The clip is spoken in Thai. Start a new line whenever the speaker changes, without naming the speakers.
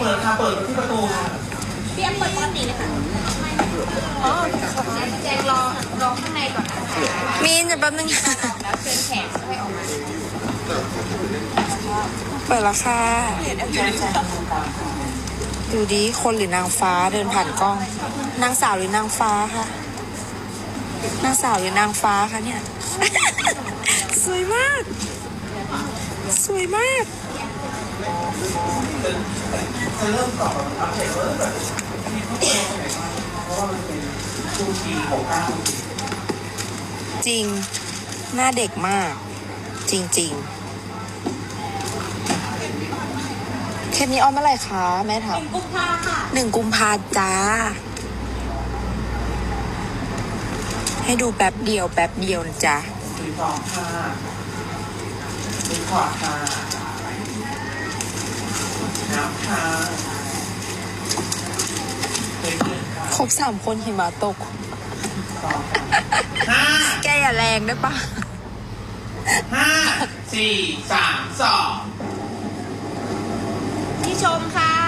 ปิดค่ะเปิดที่ประตูค่ะ
พี่แอมเปิดปกติเลยค่ะอ๋อแจงรอข้างในก่อนนะคะ
มีนจะแป๊บนึง
แล้วเชิญแขกให้ออกมา
เปิดราคาดูดิคนหรือนางฟ้าเดินผ่านกล้อง นางสาวหรือนางฟ้าคะนางสาวหรือนางฟ้าคะเนี่ย สวยมาก สวยมาก
จะเริ่มต่ออัปเดตเริ่มแบบมีข้อมูลไหนบ้างเพราะว่ามันเป็นช่วงปี69
จริง หน้าเด็กมาก จริงๆเทปนี้ออนเมื่อไหร่คะแม่ถาม
กุมภาค่ะ
1 กุมภาจ้า ให้ดูแป๊บเดียวนะจ๊ะ
สีทองค่ะสีขวดค่ะน้ำค่ะเป็นเงินค่ะ
ครบ3 คนหิมะตก
ต่อค่ะ
แกอย่าแรงได้ปะ
5 4 3 2
พี่ชมค่ะ